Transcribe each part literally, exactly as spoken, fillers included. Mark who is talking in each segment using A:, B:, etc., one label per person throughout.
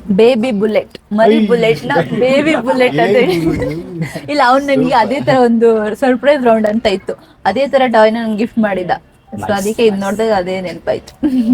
A: Baby bullet, ಮರಿ bullet ನ baby bullet ಅಂತ ಹೇಳಿ. ಇಲ್ಲ, ಅವ್ನು ನನಗೆ ಅದೇ ತರ ಒಂದು ಸರ್ಪ್ರೈಸ್ ರೌಂಡ್ ಅಂತ ಇತ್ತು, ಅದೇ ತರ ಟಾಯ್ ನನ್ಗೆ ಗಿಫ್ಟ್ ಮಾಡಿದ. ಸೊ ಅದಕ್ಕೆ ಇದು ನೋಡಿದಾಗ ಅದೇ ನೆನಪಾಯ್ತು.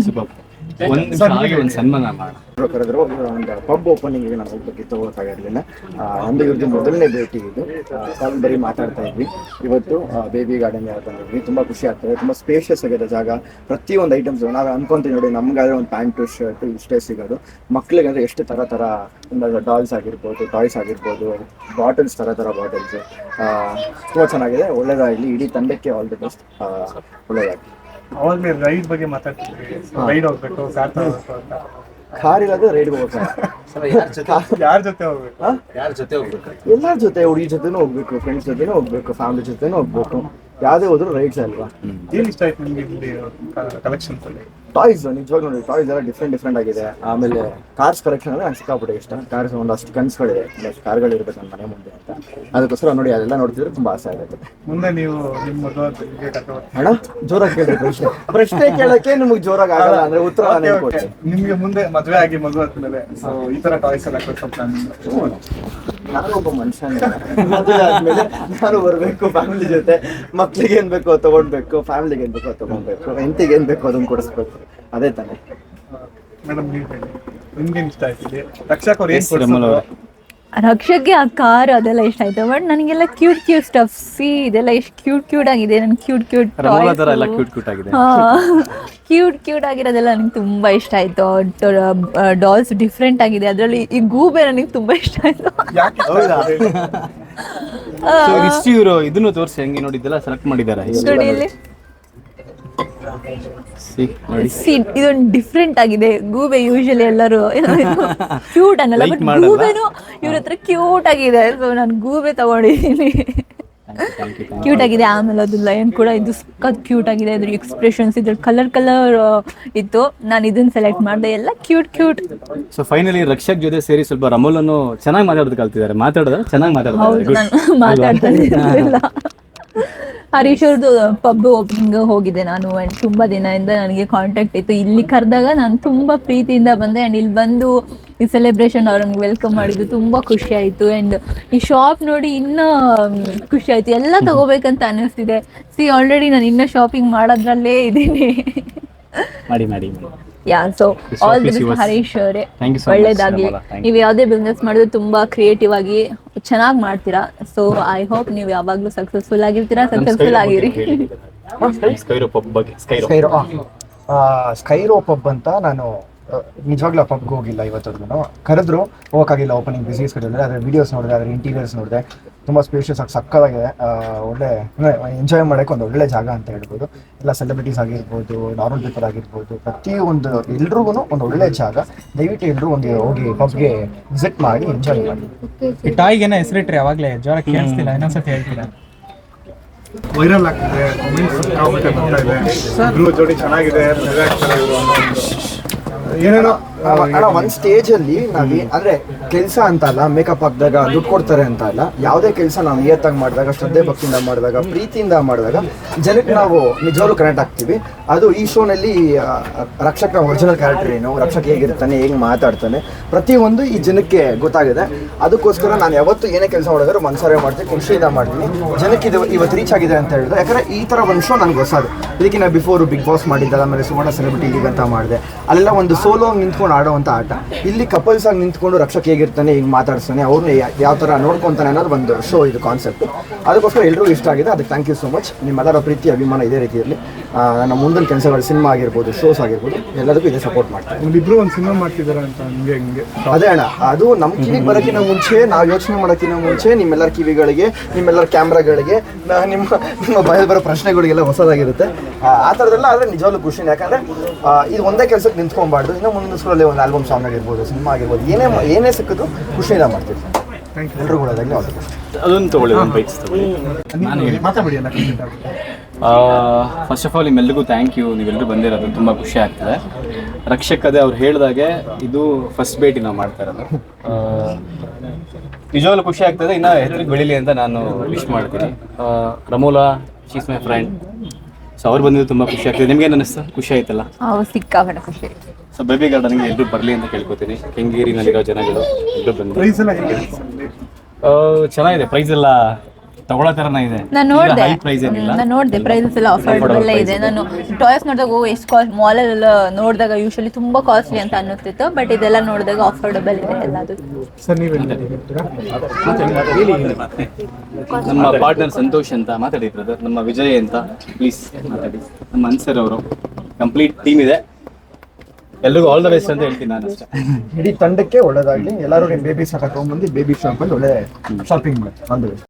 B: ಒಂದು ಸನ್ಮಾನ ಮಾಡಿ
C: ಕರೆದ್ರು ಒಂದು ಪಬ್ ಓಪನಿಂಗ್ ನಾನು ಹೋಗ್ಬೇಕಿತ್ತು, ಹೋಗೋಕ್ಕಾಗಿರಲಿಲ್ಲ. ನಮ್ದು ಇವ್ರದ್ದು ಮೊದಲನೇ ಭೇಟಿ ಇದು. ಕಾಲ್ ಬರೀ ಮಾತಾಡ್ತಾ ಇದ್ವಿ. ಇವತ್ತು ಬೇಬಿ ಗಾರ್ಡನ್ ಯಾರು ಬಂದಿದ್ವಿ, ತುಂಬ ಖುಷಿ ಆಗ್ತದೆ. ತುಂಬ ಸ್ಪೇಷಿಯಸ್ ಆಗಿದೆ ಜಾಗ. ಪ್ರತಿಯೊಂದು ಐಟಮ್ಸ್ ನಾವು ಅನ್ಕೊಂತೀವಿ ನೋಡಿ, ನಮ್ಗಾದ್ರೆ ಒಂದು ಪ್ಯಾಂಟು ಶರ್ಟು ಇಷ್ಟೇ ಸಿಗೋದು. ಮಕ್ಳಿಗೆ ಅಂದರೆ ಎಷ್ಟು ಥರ ಥರ ಒಂದು ಡಾಲ್ಸ್ ಆಗಿರ್ಬೋದು, ಟಾಯ್ಸ್ ಆಗಿರ್ಬೋದು, ಬಾಟಲ್ಸ್ ಥರ ಥರ ಬಾಟಲ್ಸ್ ತುಂಬ ಚೆನ್ನಾಗಿದೆ. ಒಳ್ಳೇದಾಗಲಿ, ಇಡೀ ತಂಡಕ್ಕೆ ಆಲ್ ದಿ ಬೆಸ್ಟ್, ಒಳ್ಳೇದಾಗಲಿ.
D: ಅವಾಗಲೇ ರೈಡ್ ಬಗ್ಗೆ ಮಾತಾಡ್ತಿದ್ವಿ, ರೈಡ್ ಹೋಗ್ಬೇಕು, ಕಾರ್ ತಗೋಬೇಕು ಅಂತ.
C: ಕಾರ್ ಇಲ್ಲದೆ ರೈಡ್ಗೆ ಹೋಗ್ಬೇಕು.
D: ಯಾರ ಜೊತೆ ಹೋಗ್ಬೇಕು?
B: ಯಾರ ಜೊತೆ ಹೋಗ್ಬೇಕು?
C: ಎಲ್ಲರ ಜೊತೆ, ಹುಡುಗಿ ಜೊತೆನೂ ಹೋಗ್ಬೇಕು, ಫ್ರೆಂಡ್ಸ್ ಜೊತೆನೂ ಹೋಗ್ಬೇಕು, ಫ್ಯಾಮಿಲಿ ಜೊತೆನೂ ಹೋಗ್ಬೇಕು. ಯಾವುದೇ ಹೋದ್ರು ರೈಡ್ಸ್ ಅಲ್ವಾ.
D: ಏನ್ ಇಷ್ಟ ಆಯ್ತು ನಿಮ್ಗೆ ಇಲ್ಲಿ ಕಲೆಕ್ಷನ್ಸ್ ಅಲ್ಲಿ?
C: ಟಾಯ್ಸ್ ನಿಜವಾಗ್ಲೂ ನೋಡಿ, ಟಾಯ್ಸ್ ಎಲ್ಲ ಡಿಫ್ರೆಂಟ್ ಡಿಫ್ರೆಂಟ್ ಆಗಿದೆ. ಆಮೇಲೆ ಕಾರ್ಸ್ ಕಲೆಕ್ಷನ್ ಅಂದರೆ ನಂಗೆ ಸಿಕ್ಕಾಪಟ್ಟೆ ಇಷ್ಟ. ಕಾರ್ಸ್ ಒಂದಷ್ಟು ಕನ್ಸುಗಳಿದೆ, ಒಂದಷ್ಟು ಕಾರ್ಗಳು ಇರ್ಬೇಕು ನನ್ನ ಮನೆ ಮುಂದೆ ಅಂತ. ಅದಕ್ಕೋಸ್ಕರ ನೋಡಿ ಅದೆಲ್ಲ ನೋಡ್ತಿದ್ರೆ ತುಂಬ ಆಸೆ ಆಗುತ್ತೆ.
D: ಮುಂದೆ ನೀವು ನಿಮ್ಮ ಮದುವೆ
C: ಅಣ್ಣ ಜೋರಾಗಿ ಕೇಳಿ ಪ್ರಶ್ನೆ ಪ್ರಶ್ನೆ ಕೇಳಕ್ಕೆ ನಿಮ್ಗೆ ಜೋರಾಗಿ ಆಗಲ್ಲ ಅಂದ್ರೆ ಉತ್ತರ ನಾನು ಕೊಡ್ತೀನಿ.
D: ನಿಮ್ಗೆ ಮುಂದೆ ಮದುವೆ ಆಗಿ ಮದುವೆ ಆದ್ಮೇಲೆ ಸೊ ಈ ತರ ಟಾಯ್ಸ್ ಎಲ್ಲ ಕೊಡ್ಸೋ ಪ್ಲಾನ್?
C: ನಾನು ಒಬ್ಬ ಮನುಷ್ಯನೇ, ಮದುವೆ ಆದ್ಮೇಲೆ ನಾನು ಬರಬೇಕು, ಫ್ಯಾಮಿಲಿ ಜೊತೆ ಮಕ್ಳಿಗೆ ಏನ್ ಬೇಕೋ ತಗೊಂಡ್ಬೇಕು, ಫ್ಯಾಮಿಲಿಗೆ ಏನ್ ಬೇಕೋ ತಗೊಂಡ್ಬೇಕು, ಹೆಂಡತಿಗೆ ಏನ್ ಬೇಕೋ ಅದನ್ನ ಕೊಡಿಸ್ಬೇಕು, ಅದೇ ತಾನೆ.
D: ಮೇಡಮ್ ನೀವು ಹೇಳಿ, ನಿಮ್ಗೆ ಇಷ್ಟ ಆಯ್ತಿದೆ? ರಕ್ಷಕ್ ಅವ್ರು ಏನ್ ಕೊಡ್ಸೋದು?
A: ರಕ್ಷಕ್ಕೆ ಆ ಕಾರ್ ಅದೆಲ್ಲ ಇಷ್ಟ ಆಯ್ತು. ಬಟ್ ನನಗೆಲ್ಲ ಕ್ಯೂಟ್ ಕ್ಯೂಟ್ ಸ್ಟಫ್ ಸಿ ಇದೆಲ್ಲ ಎಷ್ಟು ಕ್ಯೂಟ್ ಕ್ಯೂಟ್ ಆಗಿದೆ. ನನ್ ಕ್ಯೂಟ್ ಕ್ಯೂಟ್ ಕ್ಯೂಟ್ ಕ್ಯೂಟ್ ಆಗಿರೋದೆಲ್ಲ ನನಗೆ ತುಂಬಾ ಇಷ್ಟ ಆಯ್ತು. ಡಾಲ್ಸ್ ಡಿಫ್ರೆಂಟ್ ಆಗಿದೆ, ಅದರಲ್ಲಿ ಈ ಗೂಬೆ ನನಗೆ ತುಂಬಾ ಇಷ್ಟ ಆಯ್ತು.
B: ಇವರು ಇದನ್ನು ತೋರಿಸಿ ಹೆಂಗೆ ನೋಡಿದ್ದೆಲ್ಲ ಸೆಲೆಕ್ಟ್ ಮಾಡಿದ್ದಾರೆ.
A: ಇದೊಂದು ಡಿಫ್ರೆಂಟ್ ಆಗಿದೆ. ಗೂಬೆ ಯೂಶಲಿ ಎಲ್ಲರೂ ಕ್ಯೂಟ್ ಅನ್ನಲ್ಲ, ಬಟ್ ಗೂಬೆನು ಇವ್ರ ಹತ್ರ ಕ್ಯೂಟ್ ಆಗಿದೆ. ಸೊ ನಾನು ಗೂಬೆ ತಗೊಂಡಿದ್ದೀನಿ, ಕ್ಯೂಟ್ ಆಗಿದೆ. ಆಮೇಲೆ ಅದು ಲಯನ್ ಕೂಡ ಇದು ಸಖತ್ ಕ್ಯೂಟ್ ಆಗಿದೆ. ಅದ್ರ ಎಕ್ಸ್ಪ್ರೆಷನ್ಸ್, ಇದ್ರ ಕಲರ್ ಕಲರ್ ಇತ್ತು. ನಾನು ಇದನ್ನ ಸೆಲೆಕ್ಟ್ ಮಾಡಿದೆ, ಎಲ್ಲ cute cute.
B: So finally Rakshak ಜೊತೆ ಸೇರಿ ಸ್ವಲ್ಪ ರಮೋಲನ್ನು ಚೆನ್ನಾಗಿ ಮಾತಾಡೋದು ಕಲ್ತಿದ್ದಾರೆ. ಮಾತಾಡೋದು ಚೆನ್ನಾಗಿ ಮಾತಾಡ್ತಾರೆ.
A: ನಾನು ಮಾತಾಡ್ತಾ ಹರೀಶ್ ಅವ್ರದ್ದು ಪಬ್ ಓಪನಿಂಗ್ ಹೋಗಿದೆ ನಾನು. ಆ್ಯಂಡ್ ತುಂಬ ದಿನದಿಂದ ನನಗೆ ಕಾಂಟ್ಯಾಕ್ಟ್ ಇತ್ತು. ಇಲ್ಲಿ ಕರೆದಾಗ ನಾನು ತುಂಬ ಪ್ರೀತಿಯಿಂದ ಬಂದೆ. ಆ್ಯಂಡ್ ಇಲ್ಲಿ ಬಂದು ಈ ಸೆಲೆಬ್ರೇಷನ್ ಅವ್ರನ್ನ ವೆಲ್ಕಮ್ ಮಾಡಿದ್ದು ತುಂಬ ಖುಷಿ ಆಯಿತು. ಆ್ಯಂಡ್ ಈ ಶಾಪ್ ನೋಡಿ ಇನ್ನೂ ಖುಷಿ ಆಯಿತು. ಎಲ್ಲ ತಗೋಬೇಕಂತ ಅನ್ನಿಸ್ತಿದೆ. ಸಿ ಆಲ್ರೆಡಿ ನಾನು ಇನ್ನೂ ಶಾಪಿಂಗ್ ಮಾಡೋದ್ರಲ್ಲೇ ಇದ್ದೀನಿ.
B: ಮಾಡಿ ಮಾಡಿ
A: yeah so all the best Harish ಅವರೇ, ಒಳ್ಳೇದಾಗಲಿ. ನೀವು ಯಾವುದೇ ಬಿಸ್ನೆಸ್ ಮಾಡಿದ್ರೆ ತುಂಬ ಕ್ರಿಯೇಟಿವ್ ಆಗಿ ಚೆನ್ನಾಗಿ ಮಾಡ್ತೀರಾ. ಸೊ ಐ ಹೋಪ್ ನೀವು ಯಾವಾಗಲೂ ಸಕ್ಸಸ್ಫುಲ್ ಆಗಿರ್ತೀರಾ, ಸಕ್ಸಸ್ಫುಲ್ ಆಗಿರಿ.
C: ಸ್ಕೈರೋ ಪಬ್ ಅಂತ ನಾನು ನಿಜವಾಗ್ಲೂ ಆ ಪಬ್ಗೆ ಹೋಗಿಲ್ಲ ಇವತ್ತವರೆಗೂ. ಕರೆದ್ರು ಹೋಗೋಕ್ಕಾಗಿಲ್ಲ, ಓಪನಿಂಗ್ ಬಿಸಿ ಸ್ಕೆಡ್ಯೂಲ್. ಅದ್ರ ವೀಡಿಯೋಸ್ ನೋಡಿದೆ, ಅದ್ರ ಇಂಟೀರಿಯರ್ಸ್ ನೋಡಿದೆ, ತುಂಬ ಸ್ಪೇಷಿಯಸ್ ಆಗಿ ಸಕ್ಕತ್ತಾಗಿದೆ. ಒಳ್ಳೆ ಎಂಜಾಯ್ ಮಾಡೋಕ್ಕೆ ಒಂದು ಒಳ್ಳೆ ಜಾಗ ಅಂತ ಹೇಳ್ಬೋದು. ಎಲ್ಲ ಸೆಲೆಬ್ರಿಟೀಸ್ ಆಗಿರ್ಬೋದು, ನಾರ್ಮಲ್ ಪೀಪಲ್ ಆಗಿರ್ಬೋದು, ಪ್ರತಿಯೊಂದು ಎಲ್ರಿಗೂ ಒಂದು ಒಳ್ಳೆ ಜಾಗ. ದಯವಿಟ್ಟು ಎಲ್ಲರೂ ಒಂದು ಹೋಗಿ ಪಬ್ಗೆ ವಿಸಿಟ್ ಮಾಡಿ ಎಂಜಾಯ್ ಮಾಡಿ.
D: ಈ ಟಾಯ್ಗೇನ ಹೆಸರಿಟ್ರೆ ಯಾವಾಗಲೇ ಜ್ವರ ಕೇಳಿಸ್ತಿಲ್ಲ, ಇನ್ನೊಂದ್ಸತಿ ಹೇಳ್ತೀರಾ? ವೈರಲ್ ಆಗ್ತಿದೆ, ಜೋಡಿ ಚೆನ್ನಾಗಿದೆ, ಏನೇನೋ
C: ಅಣ್ಣ ಒಂದು ಸ್ಟೇಜ್ ಅಲ್ಲಿ ನಾವೇ ಅಂದ್ರೆ ಕೆಲಸ ಅಂತ ಅಲ್ಲ, ಮೇಕಪ್ ಹಾಕಿದಾಗ ದುಡ್ಡು ಕೊಡ್ತಾರೆ ಅಂತ ಅಲ್ಲ, ಯಾವುದೇ ಕೆಲಸ ನಾವು ನಿಯತ್ತಾಗಿ ಮಾಡಿದಾಗ, ಶ್ರದ್ಧೆ ಭಕ್ತಿಯಿಂದ ಮಾಡಿದಾಗ, ಪ್ರೀತಿಯಿಂದ ಮಾಡಿದಾಗ ಜನಕ್ಕೆ ನಾವು ನಿಜವಾಗ್ಲೂ ಕನೆಕ್ಟ್ ಆಗ್ತೀವಿ. ಅದು ಈ ಶೋನಲ್ಲಿ ರಕ್ಷಕ್ನ ಒರಿಜಿನಲ್ ಕ್ಯಾರೆಕ್ಟರ್ ಏನು, ರಕ್ಷಕ್ ಹೇಗಿರ್ತಾನೆ, ಹೇಗೆ ಮಾತಾಡ್ತಾನೆ, ಪ್ರತಿಯೊಂದು ಈ ಜನಕ್ಕೆ ಗೊತ್ತಾಗಿದೆ. ಅದಕ್ಕೋಸ್ಕರ ನಾನು ಯಾವತ್ತು ಏನೇ ಕೆಲಸ ಮಾಡಿದ್ರು ಮನಸಾರೆ ಮಾಡ್ತೀನಿ, ಖುಷಿಯಿಂದ ಮಾಡ್ತೀನಿ. ಜನಕ್ಕೆ ಇದು ಇವತ್ತು ರೀಚ್ ಆಗಿದೆ ಅಂತ ಹೇಳಿದ್ರೆ, ಯಾಕಂದ್ರೆ ಈ ಥರ ಒಂದು ಶೋ ನನಗೆ ಹೊಸದು. ಇದಕ್ಕಿಂತ ಬಿಫೋರ್ ಬಿಗ್ ಬಾಸ್ ಮಾಡಿದ್ದಲ್ಲ, ಆಮೇಲೆ ಸುವರ್ಣ ಸೆಲೆಬ್ರಿಟಿ ಲೀಗ್ ಅಂತ ಮಾಡಿದೆ. ಅಲ್ಲೆಲ್ಲ ಒಂದು ಸೋಲೋ ನಿಂತ್ಕೊಂಡು ಆಡೋವಂಥ ಆಟ. ಇಲ್ಲಿ ಕಪಲ್ಸ್ ಆಗಿ ನಿಂತ್ಕೊಂಡು ರಕ್ಷಕ್ ಹೇಗಿರ್ತಾನೆ, ಈಗ ಮಾತಾಡ್ತಾನೆ, ಅವ್ರನ್ನ ಯಾವ ಥರ ನೋಡ್ಕೊತಾನೆ ಅನ್ನೋದು ಒಂದು ಶೋ ಇದು ಕಾನ್ಸೆಪ್ಟ್. ಅದಕ್ಕೋಸ್ಕರ ಎಲ್ರಿಗೂ ಇಷ್ಟ ಆಗಿದೆ. ಅದಕ್ಕೆ ಥ್ಯಾಂಕ್ ಯು ಸೋ ಮಚ್. ನಿಮ್ಮೆಲ್ಲರ ಪ್ರೀತಿ ಅಭಿಮಾನ ಇದೇ ರೀತಿಯಲ್ಲಿ ನಮ್ಮ ಮುಂದಿನ ಕೆಲಸಗಳು, ಸಿನಿಮಾ ಆಗಿರ್ಬೋದು, ಶೋಸ್ ಆಗಿರ್ಬೋದು, ಎಲ್ಲದಕ್ಕೂ ಇದೇ ಸಪೋರ್ಟ್ ಮಾಡ್ತಾರೆ.
D: ಇಬ್ಬರು ಒಂದು ಸಿನಿಮಾ ಮಾಡ್ತಿದ್ದಾರೆ ಅಂತ ಹಂಗೆ ಹಿಂಗೆ.
C: ಅದೇ ಅಣ್ಣ, ಅದು ನಮ್ಮ ಕಿವಿಗೆ ಬರೋಕ್ಕಿಂತ ಮುಂಚೆ, ನಾವು ಯೋಚನೆ ಮಾಡೋಕ್ಕಿಂತ ಮುಂಚೆ ನಿಮ್ಮೆಲ್ಲರ ಕಿವಿಗಳಿಗೆ, ನಿಮ್ಮೆಲ್ಲರ ಕ್ಯಾಮ್ರಾಗಳಿಗೆ, ನಿಮ್ಮ ನಿಮ್ಮ ಬಾಯಲ್ಲಿ ಬರೋ ಪ್ರಶ್ನೆಗಳಿಗೆಲ್ಲ ಹೊಸದಾಗಿರುತ್ತೆ. ಆ ಥರದ್ದೆಲ್ಲ ಆದರೆ ನಿಜವಾಗ್ಲೂ ಖುಷಿನೇ. ಯಾಕಂದರೆ ಇದು ಒಂದೇ ಕೆಲಸಕ್ಕೆ ನಿಂತ್ಕೊಬಾರ್ದು. ಇನ್ನೂ ಮುಂದಿನ ಸ್ಕೂಲಲ್ಲಿ ಒಂದು ಆಲ್ಬಮ್ ಸಾಂಗ್ ಆಗಿರ್ಬೋದು, ಸಿನಿಮಾ ಆಗಿರ್ಬೋದು, ಏನೇ ಏನೇ ಸಿಕ್ಕಿದ್ರು ಖುಷಿಯಿಂದ ಮಾಡ್ತೀವಿ. ಎಲ್ಲರೂ ಕೂಡ ಅದಾಗಲಿ ಆಲ್ ದಿ ಬೆಸ್ಟ್.
B: ಅದೊಂದು ತೊಗೊಳ್ಳಿ, ಒಂದು ಬೈಕ್ಸ್ ತೊಗೊಳ್ಳಿ. ನಾನು ಹೇಳಿ
D: ಮಾತಾಡಿ ಅಲ್ಲ.
B: ಫಸ್ಟ್ ಆಫ್ ಆಲ್ ನಿಮ್ಮೆಲ್ಲರಿಗೂ ಥ್ಯಾಂಕ್ ಯು. ನೀವೆಲ್ಲರೂ ಬಂದಿರೋದು ತುಂಬ ಖುಷಿ ಆಗ್ತದೆ. ರಕ್ಷಕ್ ಅದೇ ಅವ್ರು ಹೇಳಿದಾಗೆ ಇದು ಫಸ್ಟ್ ಭೇಟಿ ನಾವು ಮಾಡ್ತಾ ಇರೋದು. ನಿಜವಾಗ್ಲೂ ಖುಷಿ ಆಗ್ತದೆ. ಇನ್ನು ಹೆಸರಿಗೆ ಬೆಳೀಲಿ ಅಂತ ನಾನು ವಿಶ್ ಮಾಡ್ತೀನಿ. Ramola, she's my friend. So ಅವ್ರು ಬಂದಿದ್ದು ತುಂಬ ಖುಷಿ ಆಗ್ತದೆ. ನಿಮ್ಗೇನು ಅನ್ನಿಸ್ತು? ಖುಷಿ ಆಯ್ತಲ್ಲ?
A: ಸಿಕ್ಕಾಪಟ್ಟೆ ಖುಷಿ ಆಯ್ತು.
B: ಸೊ ಬೇಬಿ ಗಾರ್ಡನ್ಗೆ ಎಲ್ಲರೂ ಬರಲಿ ಅಂತ ಕೇಳ್ಕೊತೀನಿ. ಕೆಂಗೇರಿನಲ್ಲಿರೋ ಜನಗಳು ಎಲ್ಲರೂ ಬಂದು
D: ಪ್ರೈಸ್ ಎಲ್ಲ ಹೇಗೆ?
B: ಆ, ಚೆನ್ನಾಗಿದೆ. ಪ್ರೈಸ್ ಎಲ್ಲ ತಗೊಳ್ಳೋ ಥರನೇ ಇದೆ.
A: ನಾನು ನೋಡಿದೆ
B: ಹೈ ಪ್ರೈಸ್ ಏನಿಲ್ಲ.
A: ನಾನು ನೋಡಿದೆ ಪ್ರೈಸಸ್ ಎಲ್ಲ ಅಫೋರ್ಡಬಲ್ ಇದೆ. ನಾನು ಟಾಯ್ಸ್ ನೋಡಿದಾಗ ಓ ಎಷ್ಟು ಕಾಸ್ಟ್, ಮಾಲಲ್ಲೆಲ್ಲ ನೋಡಿದಾಗ ಯೂಶಲಿ ತುಂಬಾ ಕಾಸ್ಟ್ಲಿ ಅಂತ ಅನ್ನಿಸ್ತಿತ್ತು, ಬಟ್ ಇದೆಲ್ಲ ನೋಡಿದಾಗ ಅಫೋರ್ಡಬಲ್ ಇದೆ ಎಲ್ಲದು.
D: ಸರ್ ನೀವೇನು ಹೇಳ್ತೀರಾ?
B: ನಮ್ಮ ಪಾರ್ಟ್ನರ್ ಸಂತೋಷ್ ಅಂತ ಮಾತಾಡಿ ಬ್ರದರ್, ನಮ್ಮ ವಿಜಯ್ ಅಂತ ಪ್ಲೀಸ್ ಮಾತಾಡಿ. ನಮ್ಮ ಅನ್ಸರ್ ಅವರು ಕಂಪ್ಲೀಟ್ ಟೀಮ್ ಇದೆ. ಎಲ್ರಿಗೂ ಆಲ್ ದ ಬೆಸ್ಟ್ ಅಂತ ಹೇಳ್ತೀನಿ ನಾನು ಅಷ್ಟೇ.
C: ಇಡೀ ತಂಡಕ್ಕೆ ಒಳ್ಳೇದಾಗ್ಲಿ. ಎಲ್ಲರೂ ನಿಮ್ಮ ಬೇಬಿ ಸಾಕ ತಗೊಂಡ್ಬಂದು ಬೇಬಿ ಶಾಪ್ ಅಲ್ಲಿ ಒಳ್ಳೆ ಶಾಪಿಂಗ್ ಮಾಡಿ.